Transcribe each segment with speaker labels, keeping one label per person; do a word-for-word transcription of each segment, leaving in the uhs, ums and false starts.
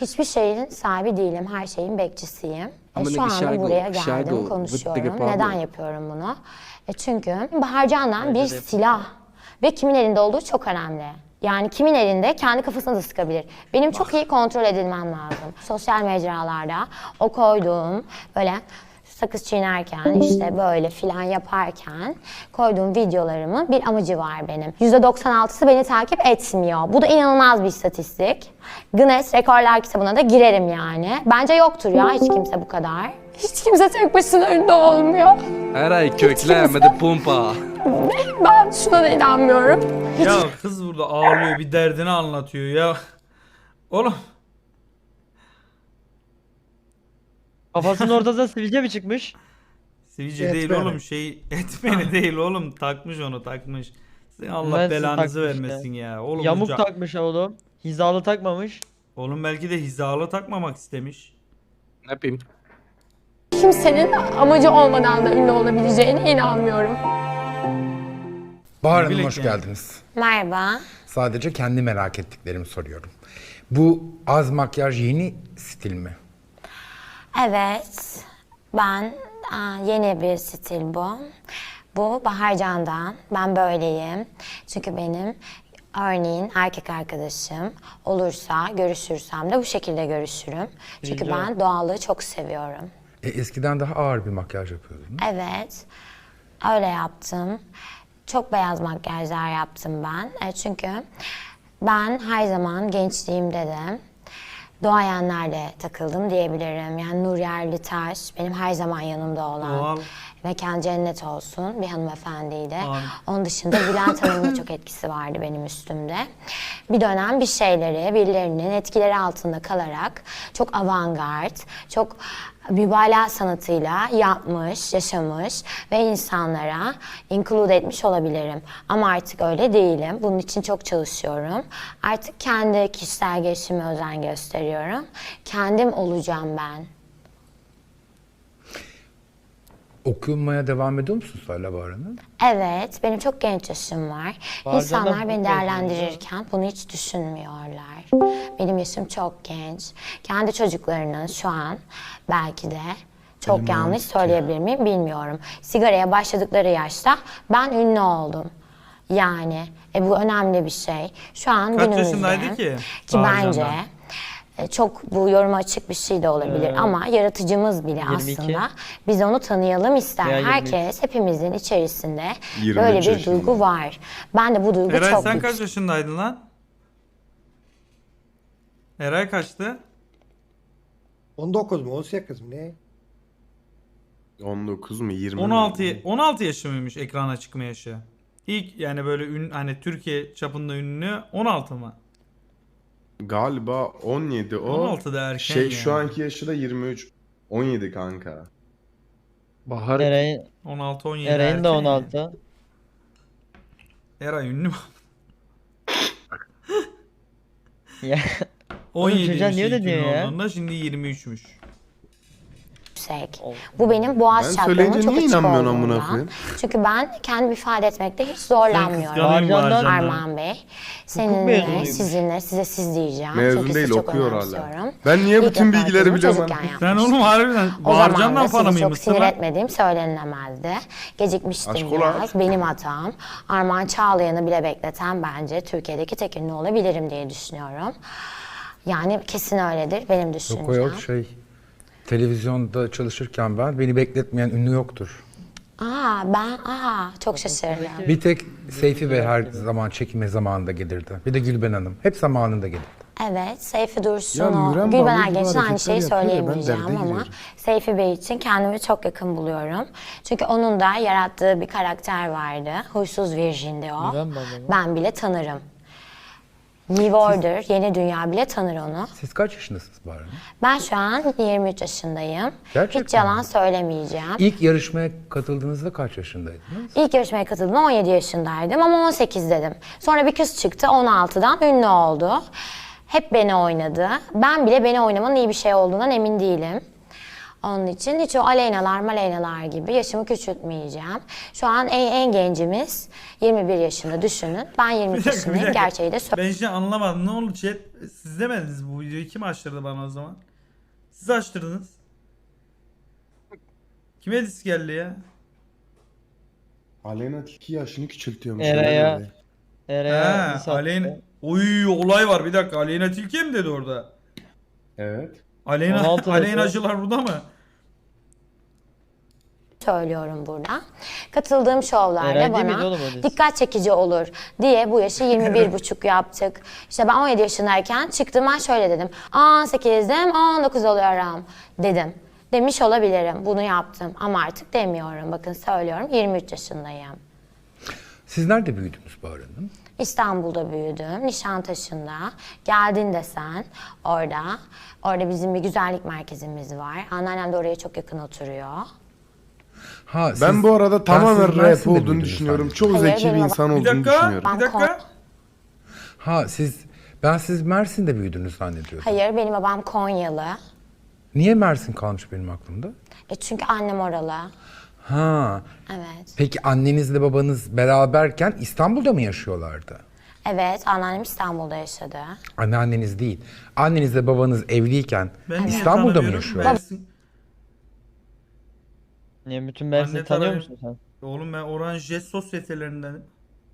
Speaker 1: Hiçbir şeyin sahibi değilim, her şeyin bekçisiyim.
Speaker 2: Ama
Speaker 1: E, şu
Speaker 2: ne
Speaker 1: anda
Speaker 2: şarkı-
Speaker 1: buraya geldim,
Speaker 2: şarkı-
Speaker 1: konuşuyorum.
Speaker 2: Vıttıgı
Speaker 1: Neden
Speaker 2: pardon.
Speaker 1: yapıyorum bunu? E, çünkü Bahar Can'dan bir
Speaker 3: Bence de
Speaker 1: silah ve kimin elinde olduğu çok önemli. Yani kimin elinde kendi kafasına da sıkabilir. Benim çok iyi kontrol edilmem lazım. Sosyal mecralarda o koyduğum böyle sakız çiğnerken işte böyle filan yaparken koyduğum videolarımın bir amacı var benim. yüzde doksan altısı beni takip etmiyor. Bu da inanılmaz bir istatistik. Guinness Rekorlar kitabına da girerim yani. Bence yoktur ya hiç kimse bu kadar. Hiç kimse tek başına ünlü olmuyor.
Speaker 2: Her ay köklemedi pumpa.
Speaker 1: Ben şuna da inanmıyorum.
Speaker 4: Ya kız burada ağlıyor, bir derdini anlatıyor ya. Oğlum
Speaker 3: Kafasının ortasına sivilce mi çıkmış?
Speaker 4: sivilce değil
Speaker 5: Etmeni.
Speaker 4: oğlum, şey etmeni değil oğlum, takmış onu takmış. Sen Allah
Speaker 3: Mühendis
Speaker 4: belanızı
Speaker 3: takmış
Speaker 4: vermesin ya. Oğlum
Speaker 3: Yamuk
Speaker 4: bu ca-
Speaker 3: takmış oğlum. Hizalı takmamış.
Speaker 4: Oğlum belki de hizalı takmamak istemiş.
Speaker 2: Ne yapayım?
Speaker 1: Kimsenin amacı olmadan da ünlü olabileceğine inanmıyorum.
Speaker 5: Bahar Hanım
Speaker 4: bilek
Speaker 5: hoş
Speaker 4: yani.
Speaker 5: geldiniz.
Speaker 1: Merhaba.
Speaker 5: Sadece kendi merak ettiklerimi soruyorum. Bu az makyaj yeni stil mi?
Speaker 1: Evet, ben aa, yeni bir stil bu. Bu Bahar Can'dan. Ben böyleyim. Çünkü benim örneğin erkek arkadaşım olursa, görüşürsem de bu şekilde görüşürüm. Çünkü
Speaker 3: Rica.
Speaker 1: ben doğallığı çok seviyorum.
Speaker 5: E, eskiden daha ağır bir makyaj yapıyordunuz.
Speaker 1: Evet, öyle yaptım. Çok beyaz makyajlar yaptım ben. E, çünkü ben her zaman gençliğimde de doğayenlerle takıldım diyebilirim. Yani Nur Yerlitaş benim her zaman yanımda olan,
Speaker 4: Doğal.
Speaker 1: mekan cennet olsun bir hanımefendiydi.
Speaker 4: Amin.
Speaker 1: Onun dışında Bülent Hanım'ın da çok etkisi vardı benim üstümde. Bir dönem bir şeyleri, birilerinin etkileri altında kalarak çok avantgard, çok mübalağa sanatıyla yapmış, yaşamış ve insanlara include etmiş olabilirim. Ama artık öyle değilim. Bunun için çok çalışıyorum. Artık kendi kişisel gelişime özen gösteriyorum. Kendim olacağım ben.
Speaker 5: Okumaya devam ediyor musunuz hala Bahar Hanım?
Speaker 1: Evet, benim çok genç yaşım var.
Speaker 3: Bazen de
Speaker 1: İnsanlar beni
Speaker 3: hukuk
Speaker 1: değerlendirirken bunu hiç düşünmüyorlar. Benim yaşım çok genç. Kendi çocuklarının şu an belki de çok
Speaker 5: Benim
Speaker 1: yanlış
Speaker 5: mantıklı.
Speaker 1: söyleyebilir miyim bilmiyorum. Sigaraya başladıkları yaşta ben ünlü oldum. Yani e, bu önemli bir şey. Şu an
Speaker 4: Kaç
Speaker 1: günümüzde
Speaker 4: yaşındaydı ki
Speaker 1: ki
Speaker 4: Bahar
Speaker 1: bence
Speaker 4: Can'dan?
Speaker 1: e, çok bu yoruma açık bir şey de olabilir
Speaker 3: Ee,
Speaker 1: ama yaratıcımız bile
Speaker 3: yirmi iki.
Speaker 1: aslında biz onu tanıyalım ister.
Speaker 3: Ya yirmi üç.
Speaker 1: Herkes hepimizin içerisinde
Speaker 6: yirmi
Speaker 1: böyle
Speaker 6: üç
Speaker 1: bir
Speaker 6: yaşında.
Speaker 1: duygu var. Ben de bu duygu
Speaker 4: Eray
Speaker 1: çok
Speaker 4: sen
Speaker 1: büyük.
Speaker 4: kaç yaşındaydın lan? Eray kaçtı?
Speaker 7: on dokuz mu on sekiz mi ne?
Speaker 6: on dokuz mu yirmi mi?
Speaker 4: on altı on altı yaşı mıymış ekrana çıkma yaşı? İlk yani böyle ün, hani Türkiye çapında ünlü on altı mı?
Speaker 6: Galiba on yedi o.
Speaker 4: on altı da erken
Speaker 6: Şey
Speaker 4: yani.
Speaker 6: şu anki yaşı da yirmi üç. on yedi kanka.
Speaker 2: Bahar
Speaker 3: Eray'ın
Speaker 4: on altı on yedi
Speaker 3: Eray'ın
Speaker 4: erken
Speaker 3: da
Speaker 4: yani.
Speaker 3: on altı.
Speaker 4: Eray ünlü mü?
Speaker 3: Ya
Speaker 4: on yedi
Speaker 3: çocuğa niye öyle diyor ya?
Speaker 4: olduğunda şimdi yirmi üçmüş.
Speaker 1: yüksek.
Speaker 3: Oh.
Speaker 1: Bu benim boğaz
Speaker 6: Ben
Speaker 1: çakramın
Speaker 6: söyleyince
Speaker 1: çok
Speaker 6: niye
Speaker 1: açık
Speaker 6: inanmıyorsun amına
Speaker 1: olduğundan.
Speaker 6: koyayım?
Speaker 1: Çünkü ben kendimi ifade etmekte hiç zorlanmıyorum.
Speaker 4: kıskanayım
Speaker 3: Barcan'dan-
Speaker 4: Barcan'dan.
Speaker 1: Armağan Bey, seninle,
Speaker 3: mezunuymuş.
Speaker 1: sizinle, size siz diyeceğim.
Speaker 6: Mezun
Speaker 1: Çünkü
Speaker 6: değil,
Speaker 1: sizi çok
Speaker 6: okuyor hala.
Speaker 1: önemsiyorum.
Speaker 6: Ben niye
Speaker 1: İlk
Speaker 6: bütün bilgileri
Speaker 1: röportajımı
Speaker 6: biliyorum
Speaker 1: çocukken
Speaker 6: lan?
Speaker 4: Sen
Speaker 1: yapmıştım.
Speaker 4: oğlum harbiden
Speaker 1: O zaman
Speaker 4: Bağırcan'dan
Speaker 1: da
Speaker 4: para
Speaker 1: sizi çok
Speaker 4: mıymışsın
Speaker 1: sinir
Speaker 4: lan?
Speaker 1: etmediğim söylenemezdi. Gecikmiştim
Speaker 6: Aşk ola.
Speaker 1: biraz. Benim hatam. Armağan Çağlayan'ı bile bekleten bence Türkiye'deki tek ünlü olabilirim diye düşünüyorum. Yani kesin öyledir benim düşüncem.
Speaker 5: Yok o yok şey. Televizyonda çalışırken ben beni bekletmeyen ünlü yoktur.
Speaker 1: Aa ben aa çok şaşırdım.
Speaker 5: Bir tek Seyfi Bey her zaman çekime zamanında gelirdi. Bir de Gülben Hanım. Hep zamanında gelirdi.
Speaker 1: Evet, Seyfi Dursun,
Speaker 5: Ya
Speaker 1: o,
Speaker 5: Müren
Speaker 1: Gülben
Speaker 5: Bağlı
Speaker 1: Ergen için
Speaker 5: gibi
Speaker 1: aynı şeyi
Speaker 5: hareketler yapıyor ya, ben
Speaker 1: söyleyemeyeceğim
Speaker 5: derde
Speaker 1: ama
Speaker 5: giriyorum.
Speaker 1: Seyfi Bey için kendimi çok yakın buluyorum. Çünkü onun da yarattığı bir karakter vardı. Huysuz Virjin'di o.
Speaker 3: Müren Bağlı mı?
Speaker 1: Ben bile tanırım. New Order, Yeni Dünya bile tanır onu.
Speaker 5: Siz kaç yaşındasınız Bahar Hanım?
Speaker 1: Ben şu an yirmi üç yaşındayım.
Speaker 5: Gerçekten
Speaker 1: Hiç yalan
Speaker 5: mi?
Speaker 1: söylemeyeceğim.
Speaker 5: İlk yarışmaya katıldığınızda kaç yaşındaydınız?
Speaker 1: İlk yarışmaya katıldım on yedi yaşındaydım ama on sekiz dedim. Sonra bir kız çıktı on altıdan ünlü oldu. Hep beni oynadı. Ben bile beni oynamanın iyi bir şey olduğundan emin değilim. Onun için hiç o Aleynalar Maleynalar gibi yaşımı küçültmeyeceğim. Şu an en, en gencimiz yirmi bir yaşında düşünün. Ben yirmi
Speaker 4: Bir
Speaker 1: üç
Speaker 4: dakika, bir
Speaker 1: yaşındayım.
Speaker 4: dakika.
Speaker 1: Gerçeği de söyleyeyim.
Speaker 4: Ben şimdi anlamadım. Ne oldu chat? Siz demediniz bu videoyu. Kim açtırdı bana o zaman? Siz açtırdınız. Kime disk geldi ya?
Speaker 6: Aleyna Tilki yaşını küçültüyormuş.
Speaker 3: Eray'a.
Speaker 6: öyle dedi.
Speaker 3: Eray'a
Speaker 4: He,
Speaker 3: insan-
Speaker 4: Aleyna... Oy olay var bir dakika. Aleyna Tilki mi dedi orada?
Speaker 6: Evet.
Speaker 4: Aleyna,
Speaker 3: on altı
Speaker 4: Aleynacılar burada mı?
Speaker 1: söylüyorum burada. Katıldığım şovlarda
Speaker 3: Eray değil miydi
Speaker 1: bana
Speaker 3: oğlum o dizi?
Speaker 1: dikkat çekici olur diye bu yaşı yirmi bir buçuk yaptık. İşte ben on yedi yaşındayken çıktım, ben şöyle dedim. on sekizdim, on dokuz oluyorum dedim. Demiş olabilirim. Bunu yaptım ama artık demiyorum. Bakın söylüyorum, yirmi üç yaşındayım.
Speaker 5: Siz nerede büyüdünüz Bahar Hanım?
Speaker 1: İstanbul'da büyüdüm, Nişantaşı'nda. Geldin desen orada. Orada bizim bir güzellik merkezimiz var. Anneannem de oraya çok yakın oturuyor.
Speaker 5: Ha, siz-
Speaker 6: Ben bu arada
Speaker 5: ben
Speaker 6: tamamen
Speaker 5: siz
Speaker 6: rap
Speaker 5: Mersin'de
Speaker 6: olduğunu
Speaker 5: büyüdünüz
Speaker 6: düşünüyorum.
Speaker 5: zannediyorum.
Speaker 6: Çok
Speaker 1: Hayır,
Speaker 6: zeki bir
Speaker 1: benim
Speaker 6: insan
Speaker 4: Bir
Speaker 6: olduğunu
Speaker 4: dakika.
Speaker 6: düşünüyorum.
Speaker 4: Bir dakika.
Speaker 5: Ha siz, ben siz Mersin'de büyüdünüz zannediyordum.
Speaker 1: Hayır, benim babam Konyalı.
Speaker 5: Niye Mersin kalmış benim aklımda?
Speaker 1: E çünkü annem oralı.
Speaker 5: Ha.
Speaker 1: Evet.
Speaker 5: Peki annenizle babanız beraberken İstanbul'da mı yaşıyorlardı?
Speaker 1: Evet, anneannem İstanbul'da yaşadı.
Speaker 5: Anneanneniz değil. Annenizle babanız evliyken
Speaker 4: Ben niye
Speaker 5: İstanbul'da mı
Speaker 4: tanımıyorum?
Speaker 5: yaşıyor?
Speaker 4: Mersin-
Speaker 3: Niye bütün Mersin'i
Speaker 4: Anne
Speaker 3: tanıyor
Speaker 4: tarafı-
Speaker 3: musun sen?
Speaker 4: Oğlum ben Orange Jet sosyetelerinden.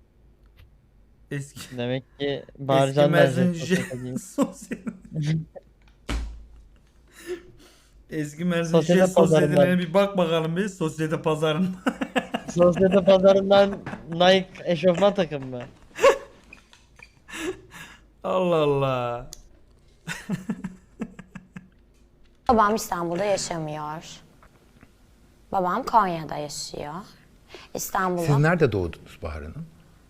Speaker 4: Eski.
Speaker 3: Demek ki
Speaker 4: Eski
Speaker 3: Bağırcan
Speaker 4: Mersin
Speaker 3: Mersin.
Speaker 4: Jet sosyete. Eski Mersin
Speaker 3: Sosyete
Speaker 4: Jet
Speaker 3: pazarından.
Speaker 4: sosyetelerine bir bak bakalım bir sosyete pazarında.
Speaker 3: Sosyete pazarından Nike eşofman takım mı?
Speaker 4: Allah Allah.
Speaker 1: Babam İstanbul'da yaşamıyor. Babam Konya'da yaşıyor. İstanbul'da,
Speaker 5: Siz nerede doğdunuz Bahar Hanım?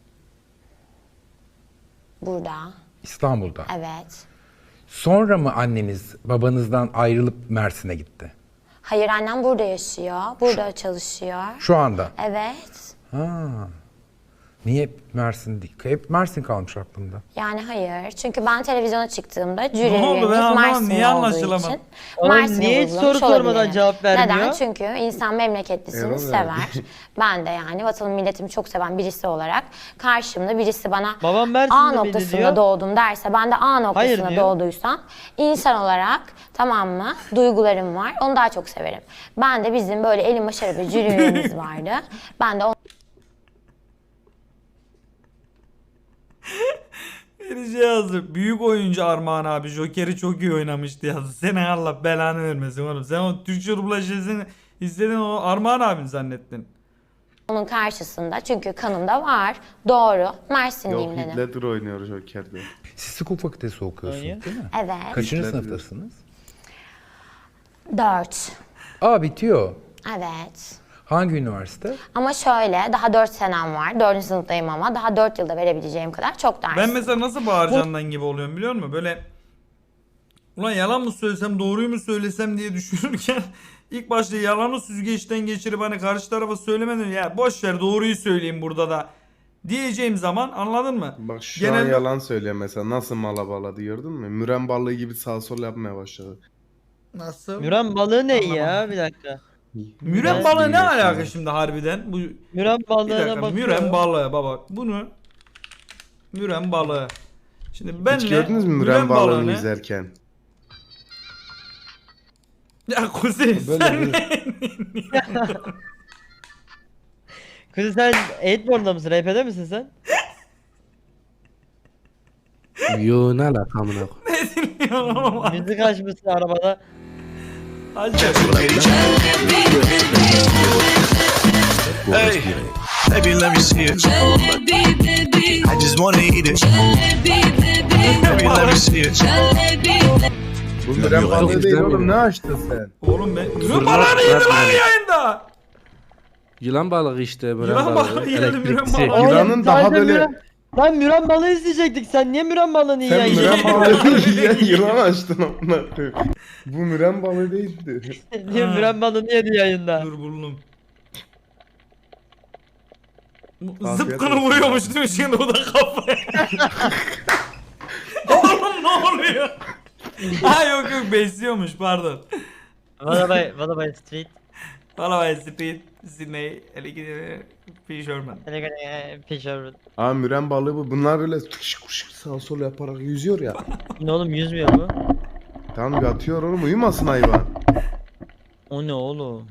Speaker 1: burada.
Speaker 5: İstanbul'da.
Speaker 1: Evet.
Speaker 5: Sonra mı anneniz babanızdan ayrılıp Mersin'e gitti?
Speaker 1: Hayır, annem burada yaşıyor. Burada çalışıyor.
Speaker 5: Şu anda.
Speaker 1: Evet.
Speaker 5: Ha. Niye hep Mersin değil? Hep Mersin kalmış aklımda.
Speaker 1: Yani hayır. Çünkü ben televizyona çıktığımda jüri
Speaker 4: Ne oldu?
Speaker 1: üyemiz
Speaker 4: Ben anlamadım.
Speaker 1: Mersinli
Speaker 4: Niye
Speaker 1: olduğu
Speaker 4: anlaşılamadı?
Speaker 1: için
Speaker 3: Oğlum
Speaker 1: Mersin'i
Speaker 3: niye hiç
Speaker 1: vurgulamış
Speaker 3: soru sormadan
Speaker 1: olabilirim.
Speaker 3: cevap vermiyor?
Speaker 1: Neden? Çünkü insan memleketlisini
Speaker 6: Erol
Speaker 1: sever.
Speaker 6: verdi.
Speaker 1: Ben de yani vatanım milletimi çok seven birisi olarak karşımda birisi bana
Speaker 3: Babam Mersinli
Speaker 1: A
Speaker 3: miydi
Speaker 1: noktasında
Speaker 3: diyor.
Speaker 1: doğdum derse, ben de A noktasına
Speaker 3: diyor.
Speaker 1: doğduysam insan olarak, tamam mı, duygularım var. Onu daha çok severim. Ben de bizim böyle elim başarı bir jüri üyemiz vardı. Ben de o
Speaker 4: Bir şey yazdı. Büyük oyuncu Armağan abi Joker'i çok iyi oynamıştı yazdı. Senin Allah belanı vermesin oğlum. Sen o Türkçe dublajını izledin, o Armağan abin zannettin.
Speaker 1: onun karşısında, çünkü kanımda var. Doğru.
Speaker 6: Yok
Speaker 1: Mersinliyim dedim.
Speaker 6: Hitler oynuyor Joker'de.
Speaker 5: Siz hukuk fakültesi okuyorsunuz
Speaker 3: Oynuyor.
Speaker 5: değil mi?
Speaker 1: Evet.
Speaker 5: Kaçıncı
Speaker 6: Hitler
Speaker 5: sınıftasınız?
Speaker 1: Dört.
Speaker 5: Aa bitiyor.
Speaker 1: Evet.
Speaker 5: Hangi üniversite?
Speaker 1: Ama şöyle, daha dört senem var. Dördüncü sınıftayım ama daha dört yılda verebileceğim kadar çok ders.
Speaker 4: Ben mesela nasıl Bağırcan'dan gibi oluyorum biliyor musun? Böyle ulan yalan mı söylesem doğruyu mu söylesem diye düşünürken ilk başta yalanı süzgeçten geçirip hani karşı tarafa söylemeden ya boş ver doğruyu söyleyeyim burada da diyeceğim zaman, anladın mı?
Speaker 6: Bak şu
Speaker 4: Genel-
Speaker 6: an yalan söylüyor mesela. Nasıl mala bağladı gördün mü? Müren balığı gibi sağ sol yapmaya başladı.
Speaker 4: Nasıl?
Speaker 3: Müren balığı ne ya?
Speaker 4: Anlamadım.
Speaker 3: Bir dakika.
Speaker 4: Müren
Speaker 6: Nasıl
Speaker 4: balığı ne
Speaker 6: biliyorsun
Speaker 4: alaka
Speaker 6: ya?
Speaker 4: şimdi harbiden? Bu
Speaker 3: Müren
Speaker 4: bir
Speaker 3: balığına
Speaker 4: dakika,
Speaker 3: bakıyorum.
Speaker 4: müren balığı baba. Bunu müren balığı. Şimdi benle
Speaker 6: Hiç gördünüz mü müren balığını
Speaker 4: balığını-
Speaker 6: izlerken?
Speaker 4: Ya Kuzey
Speaker 5: Böyle
Speaker 4: sen
Speaker 5: bir-
Speaker 3: Kızım sen Eightborn'da mısın? R P'de misin sen?
Speaker 2: Yo ne alaka amına koyayım.
Speaker 4: ne dinliyorsun oğlum?
Speaker 3: Müzik açmışsın arabada.
Speaker 4: Hadi.
Speaker 8: Hey, baby, let me see it. I just wanna eat it. Baby, let me see it.
Speaker 6: Bu müren balığı değil
Speaker 2: izlemiyorum.
Speaker 6: oğlum, ne açtın sen?
Speaker 4: Oğlum ben... Müren
Speaker 2: Zırnat
Speaker 4: balığı neydi lan
Speaker 2: bırakmayın.
Speaker 4: yayında?
Speaker 2: Yılan balığı işte. Müren
Speaker 4: Yılan
Speaker 2: balığı.
Speaker 4: balığı geldi, müren
Speaker 2: Elektriksi.
Speaker 4: balığı.
Speaker 6: Yılanın
Speaker 3: Oğlum,
Speaker 6: daha
Speaker 3: sadece
Speaker 6: böyle-
Speaker 3: Müren... Lan Müren balığı izleyecektik. Sen niye Müren balığını
Speaker 6: Sen
Speaker 3: yiyen
Speaker 6: müren
Speaker 3: yiyorsun?
Speaker 6: balığı yiyen yılan açtın amına koyayım. Bu müren balığı değildi.
Speaker 3: Niye Müren balığını yedi yayında?
Speaker 4: Dur buldum.
Speaker 6: Afiyet
Speaker 4: Zıpkını
Speaker 6: olsun
Speaker 4: vuruyormuş
Speaker 6: abi.
Speaker 4: değil mi şimdi o da kafaya? Oğlum ne oluyor? Ha yok yok besliyormuş pardon.
Speaker 3: What about, what about street?
Speaker 4: Valla ben Speed, Sydney, Elegide, P. Sherman.
Speaker 3: Pişer.
Speaker 6: Aa müren balığı bu. Bunlar böyle tıkışık kuşuk sağ sol yaparak yüzüyor ya.
Speaker 3: Ne oğlum yüzmüyor bu?
Speaker 6: Tamam yatıyor oğlum uyumasın hayvan.
Speaker 3: O ne oğlum?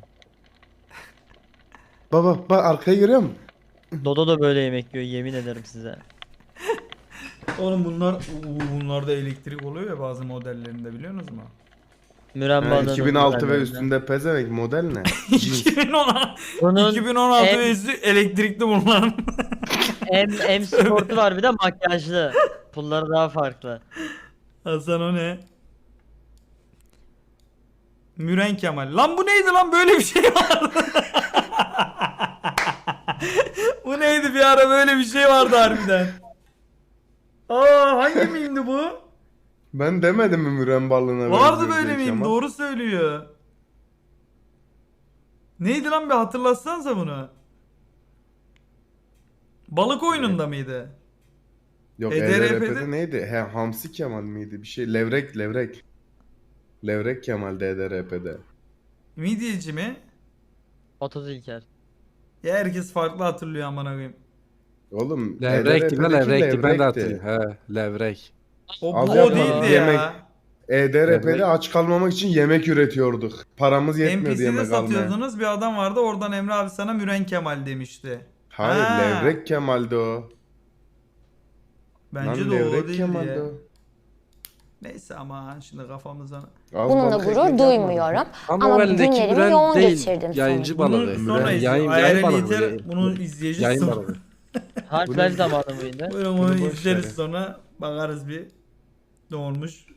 Speaker 6: Baba bak arkayı görüyor musun?
Speaker 3: Dodo da böyle yemek yiyor yemin ederim size.
Speaker 4: Oğlum bunlar, uu, bunlarda elektrik oluyor ya bazı modellerinde biliyor musunuz mu?
Speaker 3: Müren
Speaker 6: Ha,
Speaker 3: balığının
Speaker 6: iki bin altı ve
Speaker 3: güzelliğinden.
Speaker 6: üstünde pezevenk model ne?
Speaker 4: iki bin on altı,
Speaker 3: Bunun
Speaker 4: iki bin on altı
Speaker 3: en-
Speaker 4: ve üstü elektrikli bunların.
Speaker 3: M, M sportu var bir de makyajlı. Pulları daha farklı.
Speaker 4: Hasan o ne? Müren Kemal. Lan bu neydi lan böyle bir şey vardı. Bu neydi bir ara böyle bir şey vardı harbiden. Aa hangi miyimdi bu?
Speaker 6: Ben demedim mi müren balığına
Speaker 4: Vardı
Speaker 6: benziyor
Speaker 4: böyle
Speaker 6: diye
Speaker 4: miyim?
Speaker 6: Kemal?
Speaker 4: Doğru söylüyor. Neydi lan bir hatırlatsanıza bunu. Balık oyununda mıydı?
Speaker 6: Yok
Speaker 4: E D R P'de
Speaker 6: E D R P'de neydi? He, Hamsi Kemal miydi? Bir şey levrek levrek. Levrek Kemal'de E D R P'de.
Speaker 4: Midyeci mi?
Speaker 3: otuz İlker.
Speaker 4: Ya herkes farklı hatırlıyor amına koyayım.
Speaker 6: Oğlum
Speaker 2: Levrekti ben
Speaker 6: E D R P'deki
Speaker 2: levrekti ben de
Speaker 6: levrekti.
Speaker 2: hatırlıyorum. He levrek.
Speaker 4: O, bu
Speaker 6: Az
Speaker 4: o
Speaker 6: yapma,
Speaker 4: değildi
Speaker 6: yemek.
Speaker 4: ya.
Speaker 6: E D R P'de
Speaker 2: Levrek.
Speaker 6: aç kalmamak için yemek üretiyorduk. Paramız yetmiyordu
Speaker 4: N P C'de
Speaker 6: yemek almaya.
Speaker 4: satıyordunuz bir adam vardı oradan Emre abi sana Müren Kemal demişti.
Speaker 6: Hayır
Speaker 4: Ha.
Speaker 6: levrek Kemal'de o.
Speaker 4: Bence
Speaker 6: Lan
Speaker 4: de o
Speaker 6: levrek
Speaker 4: değildi
Speaker 6: Kemal'de
Speaker 4: ya.
Speaker 6: o.
Speaker 4: Neyse ama şimdi kafamıza...
Speaker 6: Az
Speaker 1: Bununla
Speaker 6: balık
Speaker 1: gurur
Speaker 6: ekmek
Speaker 1: duymuyorum.
Speaker 6: yapmadım.
Speaker 2: Ama,
Speaker 1: Ama
Speaker 2: o elindeki
Speaker 1: günlerimi
Speaker 2: müren
Speaker 1: yoğun
Speaker 2: değil.
Speaker 1: geçirdim
Speaker 2: Yayıncı
Speaker 1: sonra.
Speaker 2: balığı.
Speaker 4: Bunu sonra
Speaker 2: Müren,
Speaker 4: izle.
Speaker 2: yayın,
Speaker 4: Ayarel
Speaker 2: yayın balığı.
Speaker 4: yeter,
Speaker 2: Yayın,
Speaker 4: bunu izleyeceğiz
Speaker 2: yayın
Speaker 4: sonra.
Speaker 2: balığı.
Speaker 3: Harfler zamanı mıydı?
Speaker 4: Böyle
Speaker 6: Bunu
Speaker 4: onu
Speaker 6: boş
Speaker 4: izleriz
Speaker 6: ver.
Speaker 4: sonra bakarız bir ne olmuş.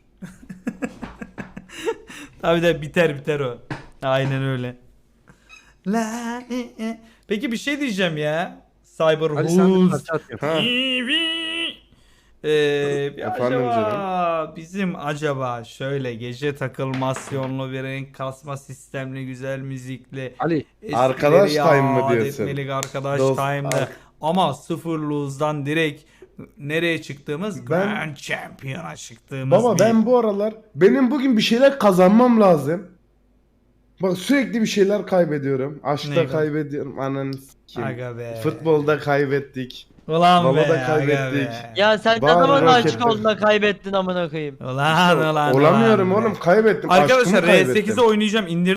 Speaker 4: Tabii de biter biter o. Aynen öyle. La, e, e. Peki bir şey diyeceğim ya. Cyber
Speaker 2: Hadi sen bir
Speaker 4: Who's
Speaker 2: parça at yap.
Speaker 6: Ha.
Speaker 4: T V. Ee, bir
Speaker 6: Efendim
Speaker 4: acaba bizim acaba şöyle gece takılmasyonlu bir renk kasma sistemli güzel müzikli
Speaker 2: Ali
Speaker 6: Arkadaş
Speaker 4: eskileri
Speaker 6: time mı
Speaker 4: yad
Speaker 6: diyorsun?
Speaker 4: etmelik arkadaş
Speaker 6: Dost-
Speaker 4: time'da
Speaker 6: ar-
Speaker 4: ama sıfır lose'dan direkt nereye çıktığımız
Speaker 6: Ben-
Speaker 4: Grand Champion'a çıktığımız
Speaker 6: Baba
Speaker 4: bir-
Speaker 6: ben bu aralar benim bugün bir şeyler kazanmam lazım. Bak sürekli bir şeyler kaybediyorum. Aşkta
Speaker 4: Neydi?
Speaker 6: kaybediyorum. Ananı sikeyim.
Speaker 4: Aga be.
Speaker 6: Futbolda kaybettik.
Speaker 4: Ulan
Speaker 6: Baba
Speaker 4: be,
Speaker 6: da
Speaker 4: aga
Speaker 6: kaybettik.
Speaker 4: be.
Speaker 3: Ya sen ne
Speaker 6: Var,
Speaker 3: zaman
Speaker 6: roket
Speaker 3: açık
Speaker 6: var.
Speaker 3: olduğunda kaybettin amına koyayım.
Speaker 4: Ulan ulan
Speaker 6: Olamıyorum
Speaker 4: ulan be.
Speaker 6: oğlum kaybettim.
Speaker 4: Arkadaşlar
Speaker 6: Aşkımı
Speaker 4: R
Speaker 6: kaybettim.
Speaker 4: sekizi oynayacağım. İndir